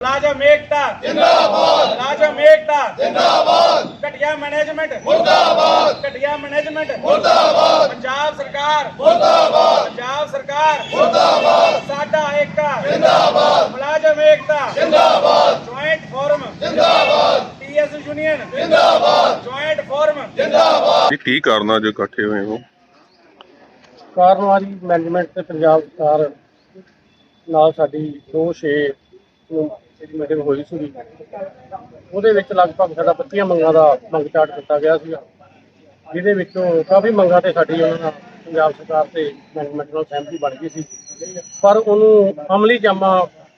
मुलाजम एकता जिंदाबाद, मुलाजम एकता जिंदाबाद। घटिया मैनेजमेंट मुर्दाबाद, घटिया मैनेजमेंट मुर्दाबाद। पंजाब सरकार मुर्दाबाद, पंजाब सरकार मुर्दाबाद। साडा एकता जिंदाबाद, मुलाजम एकता जिंदाबाद। ज्वाइंट फोरम जिंदाबाद, टीएस यूनियन जिंदाबाद, ज्वाइंट फोरम जिंदाबाद। ਕੀ ਕਾਰਨ ਅੱਜ ਇਕੱਠੇ ਹੋਏ ਹੋ? ਕਾਰਨ ਆ ਜੀ ਮੈਨੇਜਮੈਂਟ ਤੇ ਪੰਜਾਬ ਸਰਕਾਰ ਨਾਲ ਸਾਡੀ 2/6 ਨੂੰ ਜਿਹੜੀ ਮੀਟਿੰਗ ਹੋਈ ਸੀ, ਉਹਦੇ ਵਿੱਚ ਲਗਭਗ ਸਾਡਾ 25 ਮੰਗਾਂ ਦਾ ਮੰਗ ਚਾਰਟ ਦਿੱਤਾ ਗਿਆ ਸੀ, ਜਿਹਦੇ ਵਿੱਚੋਂ ਕਾਫੀ ਮੰਗਾਂ ਤੇ ਸਾਡੀ ਉਹਨਾਂ ਨਾਲ ਪੰਜਾਬ ਸਰਕਾਰ ਤੇ ਮੈਨੇਜਮੈਂਟ ਨਾਲ ਸਹਿਮਤੀ ਬਣ ਗਈ ਸੀ, ਪਰ ਉਹਨੂੰ ਅਮਲੀ ਜਾਮਾ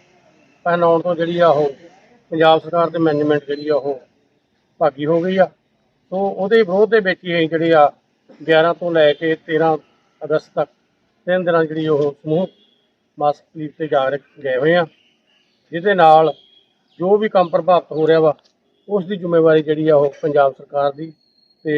ਪਹਿਨਾਉਣ ਤੋਂ ਜਿਹੜੀ ਆ ਉਹ ਪੰਜਾਬ ਸਰਕਾਰ ਤੇ ਮੈਨੇਜਮੈਂਟ ਜਿਹੜੀ ਆ ਉਹ ਭਾਗੀ ਹੋ ਗਈ ਆ। ਸੋ ਉਹਦੇ ਵਿਰੋਧ ਦੇ ਵਿੱਚ ਹੀ ਅਸੀਂ ਜਿਹੜੇ ਆ 11 ਤੋਂ ਲੈ ਕੇ 13 ਅਗਸਤ ਤੱਕ 3 ਦਿਨਾਂ ਜਿਹੜੀ ਉਹ ਸਮੂਹ ਮਾਸਕ ਪਲੀਟ ਤੇ ਗਏ ਹੋਏ ਆ, ਜਿਹਦੇ ਨਾਲ ਜੋ ਵੀ ਕੰਮ ਪ੍ਰਭਾਵਿਤ ਹੋ ਰਿਹਾ ਵਾ ਉਸ ਦੀ ਜ਼ਿੰਮੇਵਾਰੀ ਜਿਹੜੀ ਆ ਉਹ ਪੰਜਾਬ ਸਰਕਾਰ ਦੀ ਤੇ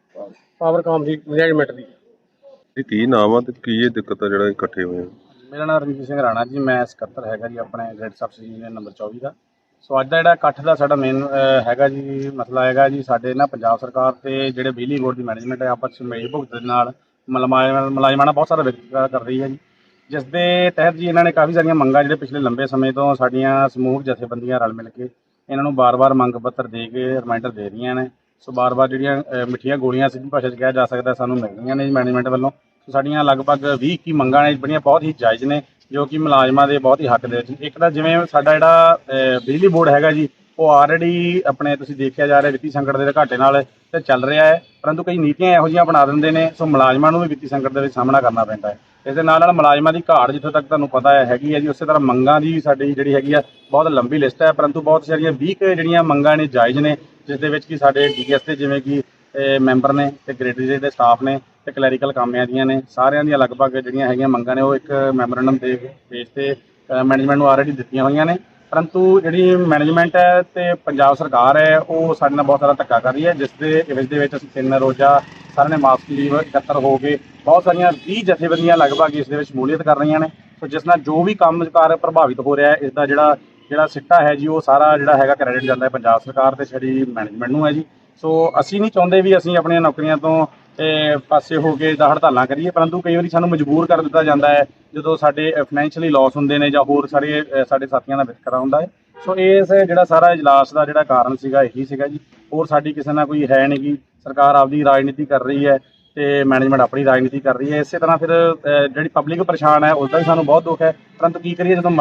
ਪਾਵਰਕਾਮ ਦੀ ਮੈਨੇਜਮੈਂਟ ਦੀ। ਇਹ ਕੀ ਨਾਮ ਆ ਤੇ ਕੀ ਇਹ ਦਿੱਕਤ ਆ ਜਿਹੜਾ ਇਕੱਠੇ ਹੋਏ ਹੋ? ਮੇਰਾ ਨਾਮ ਰਣਜੀਤ ਸਿੰਘ ਰਾਣਾ ਜੀ, ਮੈਂ ਸਕੱਤਰ ਹੈਗਾ ਜੀ ਆਪਣੇ ਗ੍ਰੇਡ ਸਬਸਿਡੀ ਯੂਨੀਅਨ ਨੰਬਰ 24 ਦਾ। ਸੋ ਅੱਜ ਦਾ ਜਿਹੜਾ ਇਕੱਠ ਦਾ ਸਾਡਾ ਮੇਨ ਹੈਗਾ ਜੀ ਮਸਲਾ ਹੈਗਾ ਜੀ, ਸਾਡੇ ਨਾ ਪੰਜਾਬ ਸਰਕਾਰ ਤੇ ਜਿਹੜੇ ਬਿਜਲੀ ਬੋਰਡ ਦੀ ਮੈਨੇਜਮੈਂਟ ਹੈ ਆਪਸ ਵਿੱਚ ਮੇਲ ਭੁਗਤ ਦੇ ਨਾਲ ਮੁਲਾਜ਼ਮਾਂ ਬਹੁਤ ਸਾਰਾ ਵਿਤਕਰਾ ਕਰ ਰਹੀ ਹੈ ਜੀ, ਜਿਸ ਦੇ ਤਹਿਤ ਜੀ ਇਹਨਾਂ ਨੇ ਕਾਫੀ ਸਾਰੀਆਂ ਮੰਗਾਂ ਜਿਹੜੇ ਪਿਛਲੇ ਲੰਬੇ ਸਮੇਂ ਤੋਂ ਸਾਡੀਆਂ ਸਮੂਹਕ ਜਥੇਬੰਦੀਆਂ ਰਲ ਮਿਲ ਕੇ ਇਹਨਾਂ ਨੂੰ ਬਾਰ-ਬਾਰ ਮੰਗ ਪੱਤਰ ਦੇ ਕੇ ਰਿਮਾਈਂਡਰ ਦੇ ਰਹੀਆਂ ਨੇ। ਸੋ ਬਾਰ-ਬਾਰ ਜਿਹੜੀਆਂ ਮਿੱਠੀਆਂ ਗੋਲੀਆਂ ਸਿੱਧੀ ਭਾਸ਼ਾ 'ਚ ਕਿਹਾ ਜਾ ਸਕਦਾ ਸਾਨੂੰ ਮਿਲ ਰਹੀਆਂ ਨੇ ਜੀ ਮੈਨੇਜਮੈਂਟ ਵੱਲੋਂ। ਸੋ ਸਾਡੀਆਂ ਲਗਭਗ 20-21 ਮੰਗਾਂ ਨੇ ਜਿਹੜੀਆਂ ਬਹੁਤ ਹੀ ਜਾਇਜ਼ ਨੇ, ਜੋ ਕਿ ਮੁਲਾਜ਼ਮਾਂ ਦੇ ਬਹੁਤ ਹੀ ਹੱਕ ਦੇ ਵਿੱਚ। ਇੱਕ ਤਾਂ ਜਿਵੇਂ ਸਾਡਾ ਜਿਹੜਾ ਬਿਜਲੀ ਬੋਰਡ ਹੈਗਾ ਜੀ, ਉਹ ਆਲਰੇਡੀ ਆਪਣੇ ਤੁਸੀਂ ਦੇਖਿਆ ਜਾ ਰਿਹਾ ਵਿੱਤੀ ਸੰਕਟ ਦੇ ਘਾਟੇ ਨਾਲ ਤੇ ਚੱਲ ਰਿਹਾ ਹੈ, ਪਰੰਤੂ ਕਈ ਨੀਤੀਆਂ ਇਹੋ ਜਿਹੀਆਂ ਬਣਾ ਦਿੰਦੇ ਨੇ, ਸੋ ਮੁਲਾਜ਼ਮਾਂ ਨੂੰ ਵੀ ਵਿੱਤੀ ਸੰਕਟ ਦੇ ਵਿੱਚ ਸਾਹਮਣਾ ਕਰਨਾ ਪੈਂਦਾ ਹੈ। ਇਸ ਦੇ ਨਾਲ ਮੁਲਾਜ਼ਮਾਂ ਦੀ ਘਾਟ ਜਿੱਥੋਂ ਤੱਕ ਤੁਹਾਨੂੰ ਪਤਾ ਹੈ ਹੈਗੀ ਹੈ ਜੀ, ਉਸੇ ਤਰ੍ਹਾਂ ਮੰਗਾਂ ਦੀ ਸਾਡੀ ਜਿਹੜੀ ਹੈਗੀ ਆ ਬਹੁਤ ਲੰਬੀ ਲਿਸਟ ਹੈ, ਪਰੰਤੂ ਬਹੁਤ ਸਾਰੀਆਂ 20 ਜਿਹੜੀਆਂ ਮੰਗਾਂ ਨੇ ਜਾਇਜ਼ ਨੇ, ਜਿਸ ਦੇ ਵਿੱਚ ਕਿ ਸਾਡੇ ਡੀਐਸ ਦੇ ਜਿਵੇਂ ਕਿ ਮੈਂਬਰ ਨੇ ਤੇ ਗ੍ਰੇਡਰੀ ਦੇ ਸਟਾਫ ਨੇ ਤੇ ਕਲੈਰੀਕਲ ਕਾਮਿਆਂ ਦੀਆਂ ਨੇ, ਸਾਰਿਆਂ ਦੀਆਂ ਲਗਭਗ ਜਿਹੜੀਆਂ ਹੈਗੀਆਂ ਮੰਗਾਂ ਨੇ ਉਹ ਇੱਕ ਮੈਮੋਰੈਂਡਮ ਦੇ ਪੇਜ ਤੇ ਮੈਨੇਜਮੈਂਟ ਨੂੰ ਆਲਰੇਡੀ ਦਿੱਤੀਆਂ ਹੋਈਆਂ ਨੇ। ਪਰੰਤੂ ਜਿਹੜੀ ਮੈਨੇਜਮੈਂਟ ਹੈ ਤੇ ਪੰਜਾਬ ਸਰਕਾਰ ਹੈ ਉਹ ਸਾਡੇ ਨਾਲ ਬਹੁਤ ਸਾਰਾ ਧੱਕਾ ਕਰ ਰਹੀ ਹੈ, ਜਿਸ ਦੇ ਵਿੱਚ ਅਸੀਂ 3 ਰੋਜ਼ਾ ਸਾਰਿਆਂ ਨੇ ਮਾਸਕ ਲੀਵ ਇਕੱਤਰ ਹੋ ਕੇ ਬਹੁਤ ਸਾਰੀਆਂ 20 ਜਥੇਬੰਦੀਆਂ ਲਗਭਗ ਇਸ ਦੇ ਵਿੱਚ ਸ਼ਮੂਲੀਅਤ ਕਰ ਰਹੀਆਂ ਨੇ। ਸੋ ਜਿਸ ਨਾਲ ਜੋ ਵੀ ਕੰਮਕਾਰ ਪ੍ਰਭਾਵਿਤ ਹੋ ਰਿਹਾ ਹੈ, ਇਸ ਦਾ ਜਿਹੜਾ ਸਿੱਟਾ ਹੈ ਜੀ ਉਹ ਸਾਰਾ ਜਿਹੜਾ ਹੈਗਾ ਕ੍ਰੈਡਿਟ ਜਾਂਦਾ ਹੈ ਪੰਜਾਬ ਸਰਕਾਰ ਤੇ ਸਾਡੀ ਮੈਨੇਜਮੈਂਟ ਨੂੰ ਹੈ ਜੀ। ਸੋ ਅਸੀਂ ਨਹੀਂ ਚਾਹੁੰਦੇ ਵੀ ਅਸੀਂ ਆਪਣੀਆਂ ਨੌਕਰੀਆਂ ਤੋਂ ਪਾਸੇ ਹੋ ਕੇ ਹੜਤਾਲਾਂ ਕਰੀਏ, ਪਰੰਤੂ ਕਈ ਵਾਰੀ ਸਾਨੂੰ ਮਜਬੂਰ ਕਰ ਦਿੱਤਾ ਜਾਂਦਾ ਹੈ ਜਦੋਂ ਸਾਡੇ ਫਾਈਨੈਂਸ਼ੀਅਲੀ ਲਾਸ ਹੁੰਦੇ ਨੇ ਜਾਂ ਹੋਰ ਸਾਡੇ ਸਾਥੀਆਂ ਦਾ ਵਿਤਕਰਾ ਹੁੰਦਾ ਹੈ। ਸੋ ਇਸ ਜਿਹੜਾ ਸਾਰਾ ਇਜਲਾਸ ਦਾ ਜਿਹੜਾ ਕਾਰਨ ਸੀਗਾ ਇਹੀ ਸੀਗਾ ਜੀ, ਹੋਰ ਸਾਡੀ ਕਿਸੇ ਨਾਲ ਕੋਈ ਹੈ ਨਹੀਂ ਗੀ। ਸਰਕਾਰ ਆਪਦੀ ਰਾਜਨੀਤੀ ਕਰ ਰਹੀ ਹੈ ਤੇ ਮੈਨੇਜਮੈਂਟ ਆਪਣੀ ਰਾਜਨੀਤੀ ਕਰ ਰਹੀ ਹੈ। ਇਸੇ ਤਰ੍ਹਾਂ ਫਿਰ ਜਿਹੜੀ ਪਬਲਿਕ ਪਰੇਸ਼ਾਨ ਹੈ ਉਸ ਦਾ ਵੀ ਸਾਨੂੰ ਬਹੁਤ ਦੁੱਖ ਹੈ, ਪਰੰਤੂ ਕੀ ਕਰੀਏ ਜਦੋਂ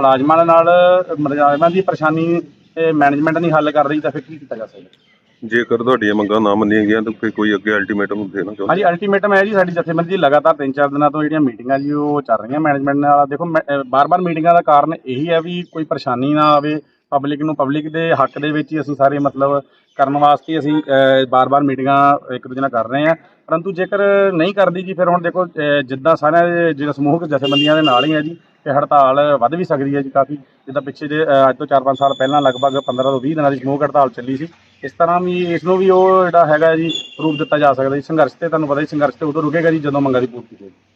ਮੁਲਾਜ਼ਮਾਂ ਦੀ ਪਰੇਸ਼ਾਨੀ ਮੈਨੇਜਮੈਂਟ ਨਹੀਂ ਹੱਲ ਕਰ ਰਹੀ ਤਾਂ ਫਿਰ ਕੀ ਕੀਤਾ ਜਾ ਸਕਦਾ? ਜੇਕਰ ਤੁਹਾਡੀਆਂ ਮੰਗਾਂ ਨਾ ਮੰਨੀਆਂ ਗਈਆਂ ਤਾਂ ਫਿਰ ਕੋਈ ਅੱਗੇ ਅਲਟੀਮੇਟਮ ਦੇਣਾ ਚਾਹੁੰਦੇ? ਹਾਂਜੀ, ਅਲਟੀਮੇਟਮ ਹੈ ਜੀ, ਸਾਡੀ ਜਥੇਬੰਦੀ ਲਗਾਤਾਰ 3-4 ਦਿਨਾਂ ਤੋਂ ਜਿਹੜੀਆਂ ਮੀਟਿੰਗਾਂ ਜੀ ਉਹ ਚੱਲ ਰਹੀਆਂ ਮੈਨੇਜਮੈਂਟ ਨਾਲ। ਦੇਖੋ ਬਾਰ-ਬਾਰ ਮੀਟਿੰਗਾਂ ਦਾ ਕਾਰਨ ਇਹੀ ਹੈ ਵੀ ਕੋਈ ਪਰੇਸ਼ਾਨੀ ਨਾ ਆਵੇ ਪਬਲਿਕ ਦੇ ਹੱਕ ਦੇ ਵਿੱਚ ਹੀ ਅਸੀਂ ਸਾਰੇ ਮਤਲਬ ਕਰਨ ਵਾਸਤੇ ਅਸੀਂ ਬਾਰ-ਬਾਰ ਮੀਟਿੰਗਾਂ ਇੱਕ ਦੂਜੇ ਨਾਲ ਕਰ ਰਹੇ ਹਾਂ। ਪਰੰਤੂ ਜੇਕਰ ਨਹੀਂ ਕਰਦੀ ਜੀ ਫਿਰ ਹੁਣ ਦੇਖੋ ਜਿੱਦਾਂ ਸਾਰਿਆਂ ਜਿਹੜਾ ਸਮੂਹਕ ਜਥੇਬੰਦੀਆਂ ਦੇ ਨਾਲ ਹੀ ਹੈ ਜੀ, ਤੇ ਹੜਤਾਲ ਵੱਧ ਵੀ ਸਕਦੀ ਹੈ ਜੀ ਕਾਫੀ, ਜਿੱਦਾਂ ਪਿੱਛੇ ਜੇ ਅੱਜ ਤੋਂ 4-5 ਸਾਲ ਪਹਿਲਾਂ ਲਗਭਗ 15 ਤੋਂ 20 ਦਿਨਾਂ ਦੀ ਸਮੂਹਕ ਹੜਤਾਲ ਚੱਲੀ ਸੀ। ਇਸ ਤਰ੍ਹਾਂ ਵੀ ਇਸ ਨੂੰ ਵੀ ਉਹ ਜਿਹੜਾ ਹੈਗਾ ਜੀ ਰੂਪ ਦਿੱਤਾ ਜਾ ਸਕਦਾ ਜੀ। ਸੰਘਰਸ਼ ਤੇ ਤੁਹਾਨੂੰ ਪਤਾ ਹੀ ਸੰਘਰਸ਼ ਤੇ ਉਦੋਂ ਰੁਕੇਗਾ ਜੀ ਜਦੋਂ ਮੰਗਾਂ ਦੀ ਪੂਰਤੀ ਹੋਵੇਗੀ।